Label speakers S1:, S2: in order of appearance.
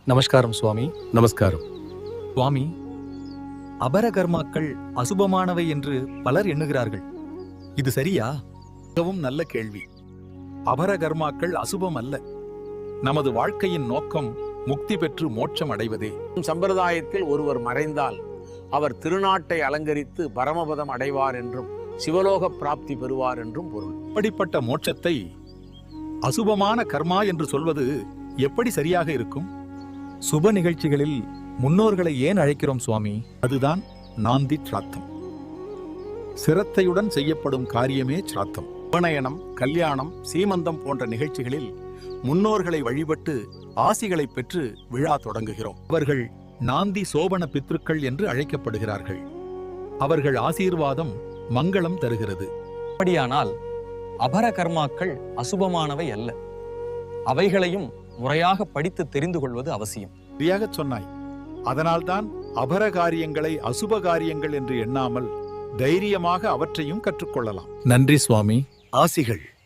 S1: நமஸ்காரம் சுவாமி.
S2: நமஸ்காரம்.
S1: சுவாமி, அபரகர்மாக்கள் அசுபமானவை என்று பலர் எண்ணுகிறார்கள். இது சரியா?
S3: மிகவும் நல்ல கேள்வி. அபரகர்மாக்கள் அசுபம் அல்ல. நமது வாழ்க்கையின் நோக்கம் முக்தி பெற்று மோட்சம் அடைவதே.
S4: சம்பிரதாயத்தில் ஒருவர் மறைந்தால் அவர் திருநாட்டை அலங்கரித்து பரமபதம் அடைவார் என்றும் சிவலோக பிராப்தி பெறுவார் என்றும் பொருள்.
S3: அப்படிப்பட்ட மோட்சத்தை அசுபமான கர்மா என்று சொல்வது எப்படி சரியாக இருக்கும்?
S1: சுப நிகழ்ச்சிகளில் முன்னோர்களை ஏன் அழைக்கிறோம் சுவாமி?
S3: அதுதான் நாந்தி சிராத்தம். சிரத்தையுடன் செய்யப்படும் காரியமே சிராத்தம். உபநயனம், கல்யாணம், சீமந்தம் போன்ற நிகழ்ச்சிகளில் முன்னோர்களை வழிபட்டு ஆசிகளை பெற்று விழா தொடங்குகிறோம். அவர்கள் நாந்தி சோபன பித்ருக்கள் என்று அழைக்கப்படுகிறார்கள். அவர்கள் ஆசீர்வாதம் மங்களம் தருகிறது.
S5: அப்படியானால் அபரகர்மாக்கள் அசுபமானவை அல்ல. அவைகளையும் முறையாக படித்து தெரிந்து கொள்வது அவசியம்.
S3: சரியாகச் சொன்னாய். அதனால்தான் அபர காரியங்களை அசுப காரியங்கள் என்று எண்ணாமல் தைரியமாக அவற்றையும் கற்றுக்கொள்ளலாம்.
S1: நன்றி சுவாமி.
S2: ஆசிகள்.